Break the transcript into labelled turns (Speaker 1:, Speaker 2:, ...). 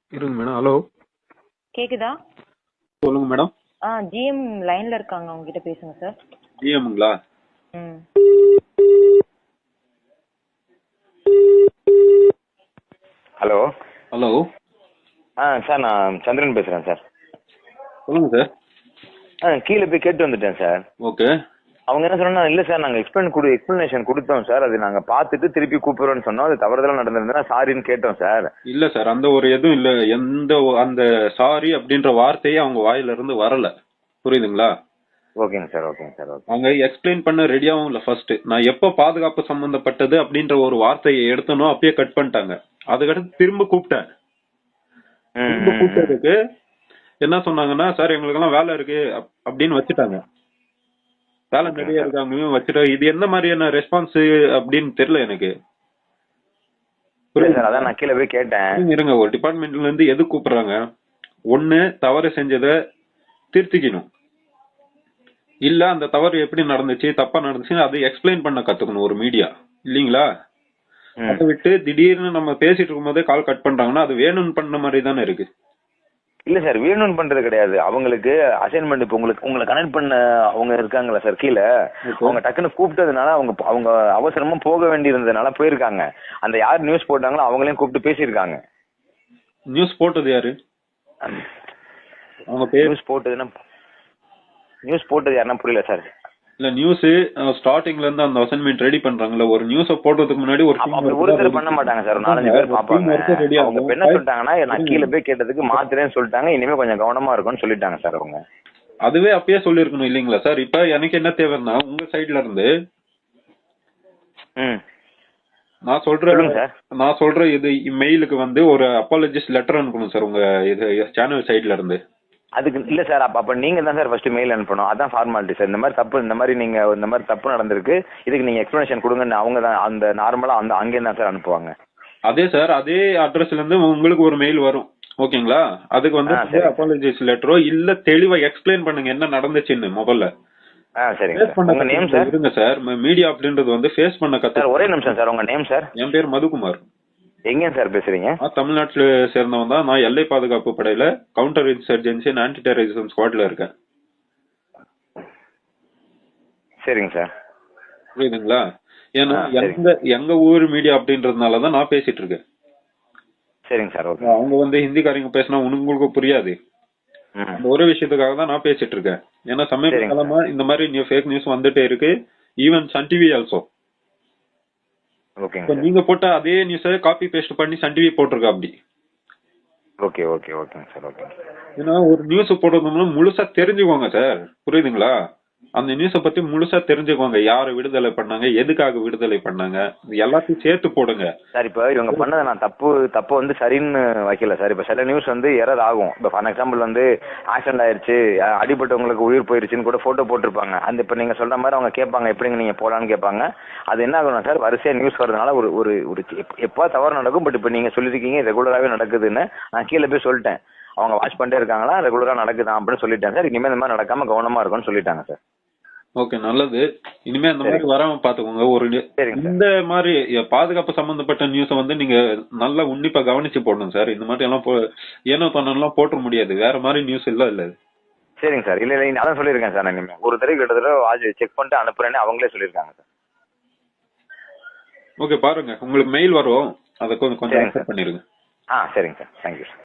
Speaker 1: இருங்க madam. Hello,
Speaker 2: கேக்குதா?
Speaker 1: சொல்லுங்க மேடம்.
Speaker 2: ஜிஎம் லைன்ல இருக்காங்க, அவங்க கிட்ட பேசுங்க சார்.
Speaker 1: ஜிஎம்ங்களா?
Speaker 2: ம்.
Speaker 3: ஹலோ.
Speaker 1: ஹலோ,
Speaker 3: சார் நான் சந்திரன் பேசுகிறேன் சார்.
Speaker 1: சொல்லுங்க சார்.
Speaker 3: கீழே போய் கேட்டு வந்துட்டேன் சார்.
Speaker 1: ஓகே.
Speaker 3: அவங்க என்ன சொன்னா, இல்லை சார் நாங்கள் எக்ஸ்பிளனேஷன் கொடுத்தோம் சார், அது நாங்கள் பார்த்துட்டு திருப்பி கூப்பிடுறோன்னு சொன்னோம், அது தவறுதலாக நடந்திருந்தா சாரின்னு கேட்டோம் சார்.
Speaker 1: இல்ல சார், அந்த ஒரு எதுவும் இல்ல. அந்த சாரி அப்படின்ற வார்த்தையே அவங்க வாயில இருந்து வரல. புரியுதுங்களா?
Speaker 3: ஓகேங்க சார், ஓகேங்க சார், ஓகே.
Speaker 1: அவங்க எக்ஸ்பிளைன் பண்ண ரெடியாவும் இல்ல. ஃபர்ஸ்ட் நான் எப்ப பாதுகாப்பு சம்பந்தப்பட்டது அப்படின்ற ஒரு வார்த்தையை எடுத்தனோ அப்பயே கட் பண்ணிட்டாங்க. அதுக்கடுத்து திரும்ப கூப்பிட்டேன். திரும்ப கூப்பிட்டதுக்கு என்ன சொன்னாங்கன்னா, சார் எங்களுக்கு எல்லாம் வேலை இருக்கு அப்படின்னு வச்சுட்டாங்க. வேலை நிறைய இருக்காங்க வச்சுட்டா இது என்ன மாதிரியான ரெஸ்பான்ஸ் அப்படின்னு தெரியல எனக்கு.
Speaker 3: சார் அதான் நான் கீழே போய் கேட்டேன்.
Speaker 1: இருங்க, ஒரு டிபார்ட்மெண்ட்ல இருந்து எது கூப்பிடுறாங்க? ஒண்ணு, தவறு செஞ்சதை திருத்திக்கணும். இல்ல அந்த தவறு எப்படி நடந்துச்சு, தப்பா நடந்துச்சு அதை எக்ஸ்பிளைன் பண்ண கத்துக்கணும் ஒரு மீடியா, இல்லீங்களா? அதை விட்டு திடீர்னு நம்ம பேசிட்டு இருக்கும் போதே கால் கட் பண்றாங்கன்னா அது வேணும்னு பண்ண மாதிரி தானே இருக்கு.
Speaker 3: இல்ல சார், வேணும்னு பண்றது கிடையாது. அவங்களுக்கு அசைன்மெண்ட் இப்போ உங்களை கனெக்ட் பண்ண அவங்க இருக்காங்களா சார் கீழே, அவங்க டக்குன்னு கூப்பிட்டதுனால அவங்க அவசரமா போக வேண்டியிருந்ததுனால போயிருக்காங்க. அந்த யார் நியூஸ் போட்டாங்களோ அவங்களையும் கூப்பிட்டு பேசியிருக்காங்க.
Speaker 1: நியூஸ் போட்டது யாரு? அவங்க பேர்
Speaker 3: நியூஸ் போட்டது யாருன்னா புரியல சார்.
Speaker 1: இல்ல, நியூஸ் ஸ்டார்டிங்ல இருந்து அந்த அசைன்மெண்ட் ரெடி பண்றாங்கல்ல, ஒரு நியூஸ போடுறதுக்கு முன்னாடி
Speaker 3: ஒருத்தர் பண்ண மாட்டாங்க சார், 4-5 பேர் பாப்பாங்க. அவங்க என்ன சொல்லிட்டாங்கன்னா, நான் கீழே போய் கேட்டதுக்கு மாத்திரேன்னு சொல்லிட்டாங்க, இனிமே கொஞ்சம் கவனமா இருக்கும்னு சொல்லிட்டாங்க சார் அவங்க.
Speaker 1: அதுவே அப்பயே சொல்லிருக்கணும் இல்லீங்களா சார்? இப்ப எனக்கு என்ன தேவைன்னா, உங்க சைட்ல இருந்து நான் சொல்றேன் இது மெயிலுக்கு வந்து ஒரு அப்பாலஜிஸ்ட் லெட்டர் அனுப்பணும் சார், உங்க இது சேனல் சைட்ல இருந்து.
Speaker 3: அதுக்கு இல்ல சார், அப்ப நீங்க தான் சார் ஃபர்ஸ்ட் மெயில் அனுப்பணும். அதான் ஃபார்மாலிட்டி சார். இந்த மாதிரி தப்பு நடந்திருக்கு, இதுக்கு நீங்க எக்ஸ்பிளனேஷன் கொடுங்கன்னு அவங்க தான் அந்த நார்மலா அங்கே தான் சார் அனுப்புவாங்க.
Speaker 1: அதே சார், அதே அட்ரஸ்ல இருந்து உங்களுக்கு ஒரு மெயில் வரும், ஓகேங்களா? அதுக்கு வந்து அப்பாலஜிஸ் லெட்டரோ இல்ல தெளிவா எக்ஸ்பிளைன் பண்ணுங்க என்ன நடந்துச்சுன்னு முதல்ல.
Speaker 3: உங்க நேம் சார்?
Speaker 1: இருங்க சார், மீடியா அப்படின்றது வந்து ஃபேஸ் பண்ண கத்து.
Speaker 3: ஒரே நிமிஷம் சார், உங்க நேம் சார்?
Speaker 1: என் பேர் மதுகுமார்.
Speaker 3: எங்க சார் பேசுறீங்க?
Speaker 1: தமிழ்நாட்டுல சேர்ந்தவன் தான். நான் எல்லை பாதுகாப்பு படையில counter insurgency and anti terrorism ஸ்குவாட்ல இருக்கேன்.
Speaker 3: சரிங்க சார்.
Speaker 1: புரியுதுங்களா? ஏன்னா எங்க ஊர் மீடியா அப்படின்றதுனாலதான் நான் பேசிட்டு இருக்கேன்.
Speaker 3: சரிங்க சார், ஓகே.
Speaker 1: அவங்க வந்து ஹிந்திக்காரங்க பேசினா உங்களுக்கு புரியாது. அந்த ஒரு விஷயத்துக்காக தான் நான் பேசிட்டு இருக்கேன். ஏன்னா சமீப காலமா இந்த மாதிரி ஃபேக் நியூஸ் வந்துட்டே இருக்கு, ஈவன் சன் டிவி ஆல்சோ. நீங்க போட்ட அதே நியூஸை காப்பி பேஸ்ட் பண்ணி சன் டிவி போட்டிருக்கா அப்படி.
Speaker 3: ஓகே ஓகே ஓகேங்க சார், ஓகே.
Speaker 1: ஏன்னா ஒரு நியூஸ் போடுறதுனால முழுசா தெரிஞ்சுக்கோங்க சார், புரியுதுங்களா? அந்த நியூஸை பத்தி முழுசா தெரிஞ்சுக்கோங்க. யாரை விடுதலை பண்ணாங்க, எதுக்காக விடுதலை பண்ணாங்க, எல்லாத்தையும் சேர்த்து போடுங்க
Speaker 3: சார். இப்ப இவங்க பண்ணதை நான் தப்பு வந்து சரின்னு வைக்கல சார். இப்ப சில நியூஸ் வந்து எரர் ஆகும். இப்ப ஃபார் எக்ஸாம்பிள் வந்து ஆக்சிடென்ட் ஆயிருச்சு, அடிபட்டவங்களுக்கு உயிர் போயிருச்சுன்னு கூட போட்டோ போட்டிருப்பாங்க. அந்த இப்ப நீங்க சொல்ற மாதிரி அவங்க கேட்பாங்க, எப்படிங்க நீங்க போலான்னு கேட்பாங்க. அது என்ன ஆகணும் சார், வரிசையா நியூஸ் வரதுனால ஒரு எப்போ தவறு நடக்கும். பட் இப்ப நீங்க சொல்லிருக்கீங்க ரெகுலராகவே நடக்குதுன்னு, நான் கீழே போய் சொல்லிட்டேன். அவங்க வாட்ச் பண்ணிட்டே இருக்காங்களா, ரெகுலரா நடக்குதான் அப்படின்னு சொல்லிட்டாங்க சார். இனிமே இந்த மாதிரி நடக்காம கவனமா இருக்கும்னு சொல்லிட்டாங்க சார்.
Speaker 1: ஓகே, நல்லது. இனிமே அந்த மாதிரி வராம பாத்துக்கோங்க. இந்த மாதிரி பாதுகாப்பு சம்பந்தப்பட்ட நியூஸ வந்து நீங்க நல்லா உன்னிப்பா கவனிச்சு போடணும் சார். இந்த மாதிரி எல்லாம் ஏனோ தன்னெல்லாம் போட்ட முடியாது. வேற மாதிரி நியூஸ் இல்ல.
Speaker 3: சரிங்க சார். இல்ல அதான் சொல்லியிருக்கேன் சார். நான் இனிமே ஒரு தடவை கிட்டத்தட்ட செக் பண்ணிட்டு அனுப்புறேன்னு அவங்களே சொல்லியிருக்காங்க சார்.
Speaker 1: ஓகே, பாருங்க உங்களுக்கு மெயில் வரும், அதை கொஞ்சம் அக்செப்ட் பண்ணிருங்க.
Speaker 3: சரிங்க சார், தேங்க்யூ சார்.